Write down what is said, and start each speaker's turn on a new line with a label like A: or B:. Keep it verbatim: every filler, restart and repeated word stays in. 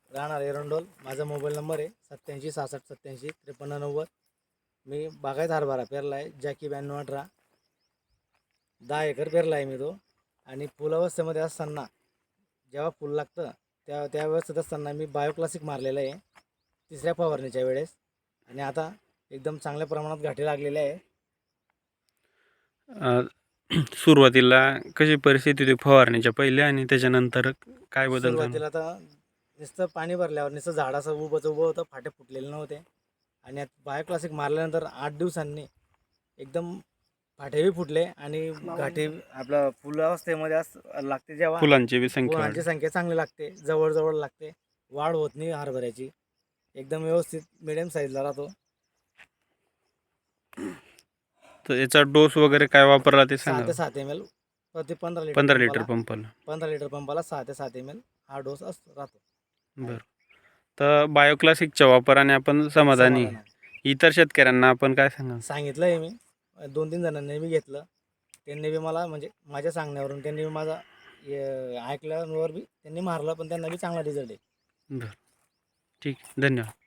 A: राहणार एरंडोल. माझा mobile number आहे सत्याऐंशी सहासष्ट सत्याऐंशी त्रेपन्न नव्वद. मी बागायत हरभरा पेरला आहे जॅकी ब्याण्णव अठरा. दहा एकर पेरला आहे मी तो. आणि फुलावस्थेमध्ये असताना जेव्हा फुल लागतं त्या त्यावेळेस असताना मी बायो क्लासिक मारलेलं आहे तिसऱ्या फवारणीच्या वेळेस. आणि आता एकदम चांगल्या प्रमाणात घाटे लागलेले आहे.
B: अ, सुरुवातीला कशी परिस्थिती होती फवारणीच्या पहिले आणि त्याच्यानंतर काय बदल झाला?
A: सुरुवातीला तर नुसतं पाणी भरल्यावर नुसतं झाडाचं उभंच उभं होतं, फाटे फुटलेले नव्हते. आणि बायो क्लासिक मारल्यानंतर आठ दिवसांनी एकदम फाटेही फुटले आणि घाटे आपलं फुलावस्थेमध्ये अस लागते जेव्हा
B: फुलांची बी संख्या
A: फुलांची
B: वाढली.
A: संख्या चांगली लागते, जवळजवळ लागते, वाढ होत नाही हरभऱ्याची, एकदम व्यवस्थित मिडियम साईजला राहतो.
B: तर याचा डोस वगैरे काय वापरला ते
A: सहा
B: सांगा.
A: ते सात एम एल प्रति पंधरा लिटर
B: पंधरा लिटर
A: पंपाला
B: पंपाला.
A: पंधरा लिटर पंपाला सहा ते सात एम एल हा डोस असतो राहतो.
B: बरं. तर बायोक्लासिकच्या वापराने आपण समाधानी.
A: समाधान आहे.
B: इतर शेतकऱ्यांना आपण काय सांगा?
A: सांगितलं आहे मी, दोन तीन जणांनी मी घेतलं, त्यांनी बी मला म्हणजे माझ्या सांगण्यावरून त्यांनी बी माझा ऐकल्यावर बी त्यांनी मारलं, पण त्यांना बी चांगला रिझल्ट आहे.
B: बरं, ठीक, धन्यवाद.